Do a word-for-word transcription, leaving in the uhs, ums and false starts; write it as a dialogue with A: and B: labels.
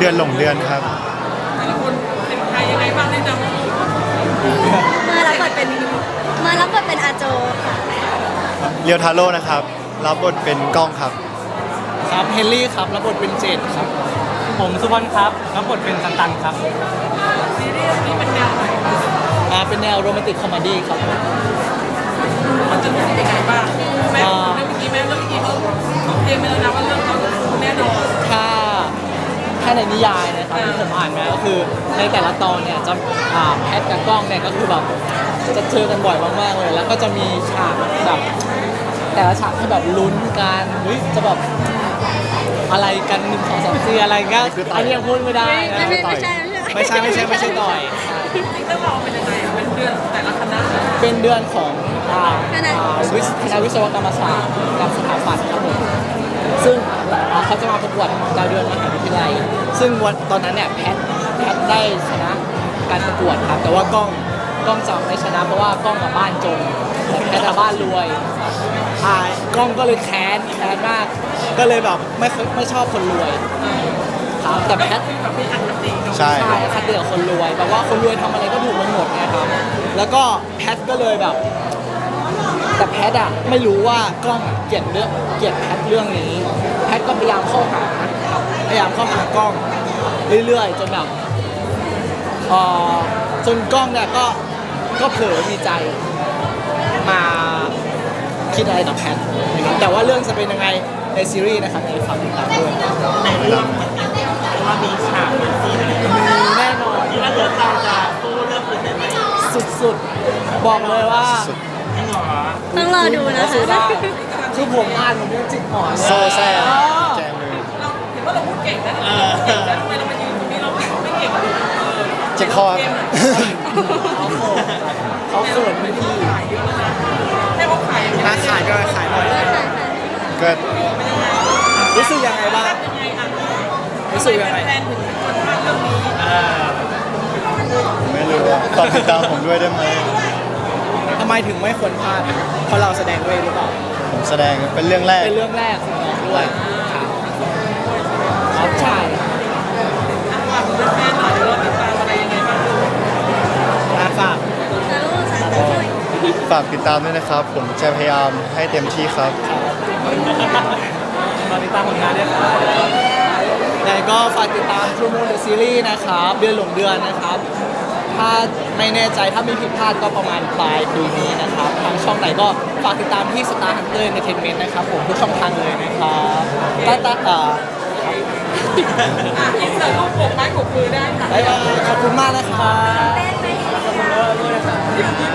A: ดือนหลงเดือนครับ
B: แต่ละคนเป็นใครยังไงบ้างได้จำ
C: มารับบทเป็นมารับบทเป็นอาโจค่ะ
A: เรียวทาโร่นะครับรับบทเป็นกล้องครับ
D: ครับเฮนรี่ครับรับบทเป็นเจดครับผมสุพรครับรับบทเป็นตันตันครับ
B: ซีรีส์นี้เป็นแนวไหน
D: อ่าเป็นแนวโรแมนติกคอมเมดี้ครับ
B: มันจะเป็นยังไงบ้างแม่เรื่องเมื่อกี้แม่เรื่องเมื่อกี้เขาเขาเตรียมไปแล้วนะว่าเรื่องเขาแน่นอน
D: ถ้าถ้าในนิยายนะครับที่ผมอ่านมาก็คือในแต่ละตอนเนี่ยจะอ่าแพทกับกล้องเนี่ยก็คือแบบจะเจอกันบ่อยมากๆเลยแล้วก็จะมีฉากแบบแต่ละฉากที่แบบลุ้นกันเฮ้ยจะแบบอะไรกันหนึ่งสองสามสี่อะไรก็อันนี้ยังพูดไม่ได้นะ
C: ไม่ไม่ใช่
D: ไม่ใช่ไม่ใช่ไม่ใช่ต่อย
B: จริงๆเรื่องเราเป็นยังไงเป็นเดือนแต่ละคณะ
D: เป็นเดือนของอ่าวิศคณะวิศวกรรมศาสตร์กับสถาปัตย์ครับผมซึ่งเขาจะมาประกวดดาวเดือนมหาวิทยาลัยซึ่งวันตอนนั้นเนี่ยแพทแพทได้ชนะการประกวดครับแต่ว่ากล้องกล้องจะไม่ชนะเพราะว่ากล้องกับบ้านจนแต่แพทกับบ้านรวยอ่ากล้องก็เลยแค้นแค้นมากก็เลยแบบไม่ไม่ชอบคนรวยครับแต่แพท
A: ใช่
D: ใช่คัดเลือกคนรวยแบบว่าคนรวยทำอะไรก็ถูกหมดนะครับแล้วก็แพทก็เลยแบบแต่แพทอะไม่รู้ว่ากล้องเกลียดเรื่องเกลียดแพทเรื่องนี้แพทก็พยายามเข้าหาพยายามเข้าหากล้องเรื่อยๆจนแบบเอ่อจนกล้องเนี่ยก็ก็เผลอมีใจมาคิดอะไรต่อแพทนะครับแต่ว่าเรื่องจะเป็นยังไงในซีรีส์นะครับในฝากติดตามด้วยในเรื่องว่ามีฉากมีซีนอะไรมีแน่นอนที่ว่าเดือดเราจะสู้เรื่องอื่นได้ไหมสุดๆบอกเลยว่า
C: ต้องรอดูนะคะ
D: คือผมอ่านผมยังจิกหมอน
A: โซ่แซ่แจมือ
B: เราเห็นว่าเราพูดเก่งนะเก่งแล้วทำไมเรามายืนตรงนี้เราไม่เก่งเลย
A: เจ็คคอ
D: เขาโกรธเขาเขินไม่พี่
B: ให้เขาขายอย่าง
D: ขายก็ขายหน่อย
A: ก็
D: รู้สึกยังไงบ้างรู้สึกยังไง
B: แฟนถึงคนพากเรื่องนี้
A: ไม่รู้ตอบติดตามผมด้วยได้ไหม
D: ทำไมถึงไม่ควรพลาดเพราะเราแสดงด้วยหรือเปล่า
A: ผมแสดงเป็นเรื่องแรก
D: เป็นเรื่องแรกของน้องด้วยครับใช่
B: ฝากแฟนหน่อยเราติดตามอะไรยังไงบ้าง
D: ฝาก
A: ฝากติดตามด้วยนะครับผมจะพยายามให้เต็มที่ครับ
D: ฝากติดตามผลงานด้วยครับแล้วก็ฝากติดตาม True Moon The Series นะครับเดือนหลงเดือนนะครับถ้าไม่แน่ใจถ้ามีผิดพลาดก็ประมาณปลายปีนี้นะครับทางช่องไหนก็ฝากติดตามที่ Star Hunter Entertainment นะครับผมทุกช่องทางเลยนะครับตาตาเอ่อ
B: อินเสิร์ตรูปปกไม้ปกมือได้ค่ะ
D: บ๊ายบายขอบคุณมากนะครับขอบคุณด้วยนะครับ